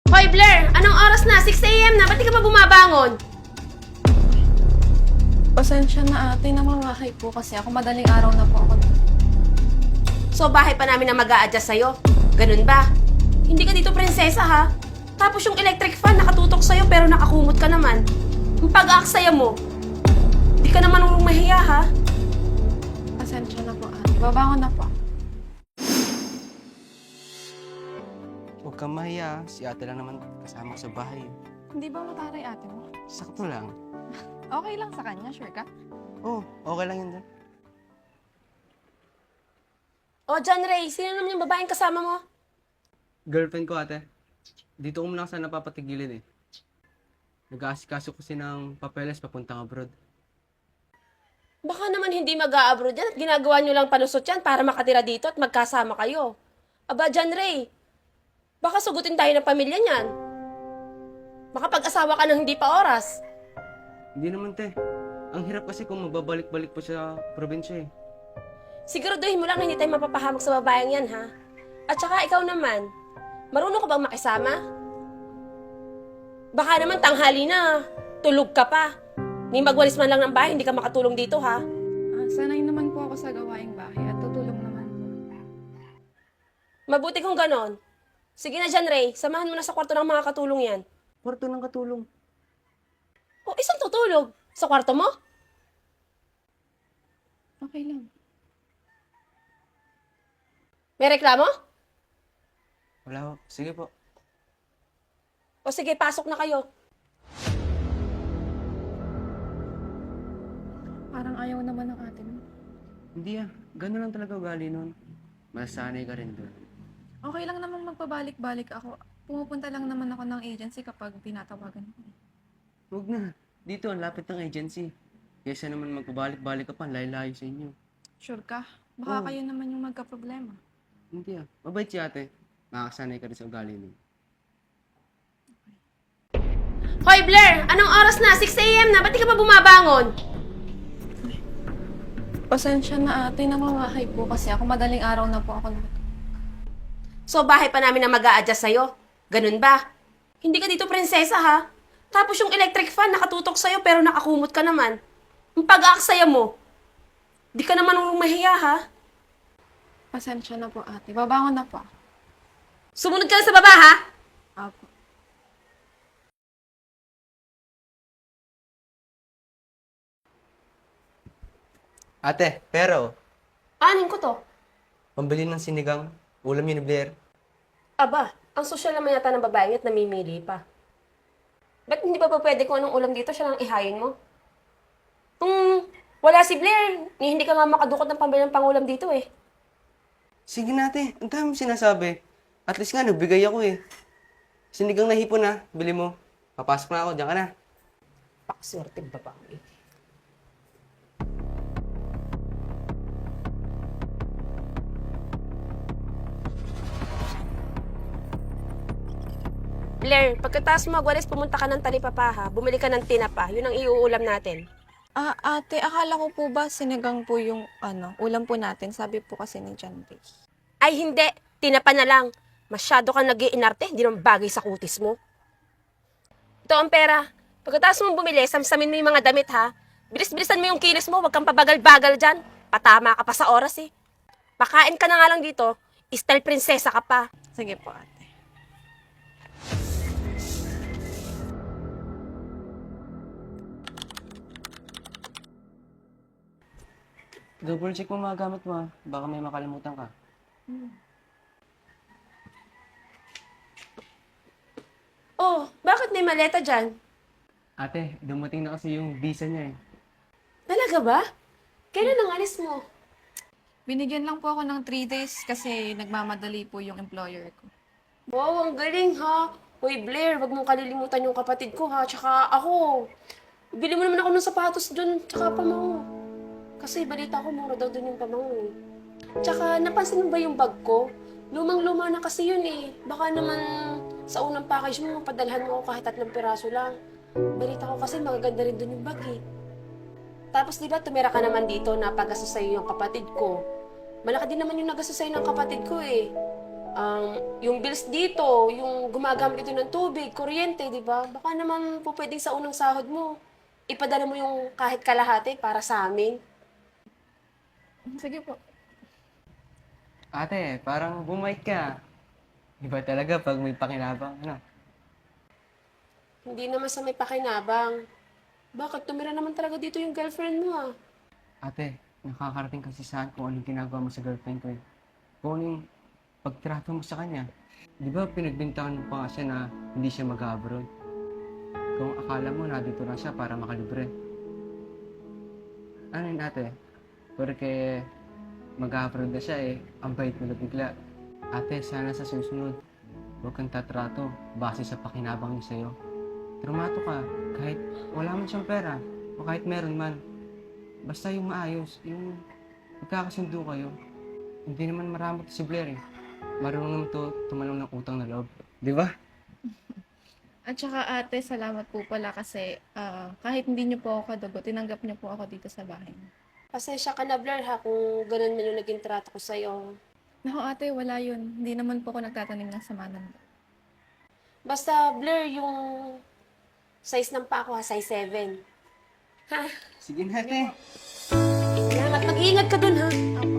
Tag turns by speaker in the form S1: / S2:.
S1: Hoy Blair, anong oras na? 6 AM na, ba't di ka pa bumabangon?
S2: Pasensya na ate, namamahay po kasi ako. Madaling araw na po ako.
S1: So bahay pa namin na mag-a-adjust sa'yo. Ganun ba? Hindi ka dito prinsesa ha? Tapos yung electric fan nakatutok sa'yo pero nakakumot ka naman. Ang pag-aaksaya mo, di ka naman mahiya ha?
S2: Pasensya na po ate. Babangon na po.
S3: Huwag kang mahiya. Si ate lang naman kasama ko sa bahay.
S2: Hindi ba mataray ate mo?
S3: Sakto lang.
S2: Okay lang sa kanya, sure ka?
S3: Oh, okay lang yun doon.
S1: O John Ray, sino naman yung babaeng kasama mo?
S3: Girlfriend ko ate. Dito ko muna kasi napapatigilin eh. Nag-aasikaso kasi ng papeles papuntang abroad.
S1: Baka naman hindi mag-a-abroad yan at ginagawa nyo lang panusot yan para makatira dito at magkasama kayo. Aba, John Ray, baka sugutin tayo ng pamilya niyan. Baka pag-asawa ka ng hindi pa oras.
S3: Hindi naman te. Ang hirap kasi kung magbabalik-balik po sa probinsya eh.
S1: Siguraduhin mo lang na hindi tayo mapapahamak sa babayang yan, ha? At saka ikaw naman, marunong ka bang makisama? Baka naman tanghali na, tulog ka pa. Ni magwalis man lang ng bahay, hindi ka makatulong dito, ha?
S2: Sanay naman po ako sa gawaing bahay at tutulong naman po.
S1: Mabuti kung ganon. Sige na dyan, Ray. Samahan mo na sa kwarto ng mga katulong yan.
S3: Kwarto ng katulong.
S1: O, isang tutulog. Sa kwarto mo?
S2: Okay lang.
S1: May reklamo?
S3: Wala ho. Sige po.
S1: O sige, pasok na kayo.
S2: Parang ayaw naman ng ate mo.
S3: Hindi ah. Gano'n lang talaga ugali nun. Masanay ka rin doon.
S2: Okay lang naman magpabalik-balik ako. Pumupunta lang naman ako ng agency kapag tinatawagan ko.
S3: Huwag na. Dito, ang lapit ng agency. Kesa naman magpabalik-balik ka pa, layo-layo sa inyo.
S2: Sure ka? Baka
S3: Oo.
S2: kayo naman yung magka-problema.
S3: Hindi ah. Mabait si ate. Makakasanay ka rin sa ugali nun.
S1: Hoy Blair, anong oras na? 6 AM na, ba't di ka pa bumabangon?
S2: Pasensya na ate, namamahay po kasi ako. Madaling araw na po ako.
S1: So bahay pa namin na mag-a-adjust sa'yo. Ganun ba? Hindi ka dito prinsesa ha? Tapos yung electric fan nakatutok sa'yo pero nakakumot ka naman. Ang pag-aaksaya mo, di ka naman mahiya ha?
S2: Pasensya na po ate. Babangon na po.
S1: Sumunod ka na sa baba ha?
S2: Apo.
S3: Ate, pero,
S1: Anin ko to?
S3: pambili ng sinigang, ulam yun ni Blair.
S1: Aba, ang sosyal naman yata ng babae at namimili pa. Ba't hindi ba pwede kung anong ulam dito siya lang ihayin mo? Kung wala si Blair, hindi ka nga makadukot ng pambili ng pangulam dito eh.
S3: Sige na ate, ang dami mong sinasabi. At least nga, nagbigay ako eh. Sinigang na hipon na, bili mo. Papasok na ako, diyan ka na.
S1: Pakaswerte babae. Blair, pagkatapos mo magwalis, pumunta ka ng talipapa ha. Bumili ka ng tinapa. Yun ang iuulam natin.
S2: Ate, akala ko po ba sinigang po yung ulam po natin? Sabi po kasi ni John Ray.
S1: Ay hindi, tinapa na lang. Masyado kang nag-iinarte, hindi naman bagay sa kutis mo. Ito ang pera. Pagkatapos mo bumili, samsamin mo yung mga damit ha. Bilis-bilisan mo yung kilos mo, wag kang pabagal-bagal dyan. Patama ka pa sa oras eh. Pakain ka na nga lang dito, style prinsesa ka pa.
S2: Sige po ate.
S3: Double check mo mga gamit mo ah. Baka may makalimutan ka.
S1: Oh, bakit may maleta dyan?
S3: Ate, dumating na kasi yung visa niya eh.
S1: Talaga ba? Kailan ang alis mo?
S2: Binigyan lang po ako ng 3 days kasi nagmamadali po yung employer ko.
S1: Wow, ang galing ha. Hoy Blair, wag mong kalilimutan yung kapatid ko ha. Tsaka ako. Bili mo naman ako ng sapatos dun, tsaka pamango. Kasi balita ko mura daw dun yung pamango eh. Tsaka napansin mo ba yung bag ko? Lumang-luma na kasi yun eh. Baka naman sa unang package mo, padalhan mo ako kahit 3 piraso lang. Balita ko kasi magaganda rin dun yung bag eh. Tapos di ba tumira ka naman dito na pag-aso sa'yo yung kapatid ko. Malaki din naman yung nag-aso sa'yo ng kapatid ko eh. Yung bills dito, yung gumagamit ito ng tubig, kuryente, di ba? Baka naman po pwedeng sa unang sahod mo, ipadala mo yung kahit kalahati para sa amin.
S2: Sige po.
S3: Ate, parang bumait ka. Iba talaga pag may pakinabang, ano?
S1: Hindi naman sa may pakinabang. Bakit? Tumira naman talaga dito yung girlfriend mo, ah.
S3: Ate, nakakarating kasi saan kung anong ginagawa mo sa girlfriend ko eh. Kung anong pagtrato mo sa kanya. Di ba pinagbintangan mo pa nga siya na hindi siya mag-abroad? Kung akala mo nandito lang siya para makalibre. Ano yun ate? Porque mag-abroad na siya eh, ang bait mo na bigla. Ate, sana sa susunod, huwag kang tatrato base sa pakinabang niya sa'yo. Trumato ka, kahit wala man siyang pera, o kahit meron man. Basta yung maayos, yung magkakasundo kayo. Hindi naman marami si Blair eh. Marunong naman to tumalong ng utang na loob. Di ba?
S2: At saka ate, salamat po pala kasi kahit hindi niyo po ako kadugo, tinanggap niyo po ako dito sa bahay.
S1: Pasensya ka na, Blair, ha, kung ganun man yung naging trato ko sa'yo.
S2: Naku ate, wala yun. Hindi naman po ako nagtatanim ng sama ng loob.
S1: Basta, Blair, yung size ng paa ko, ha, size 7. Ha?
S3: Sige na ate.
S1: Salamat. Mag-iingat ka dun, ha?
S2: Opo.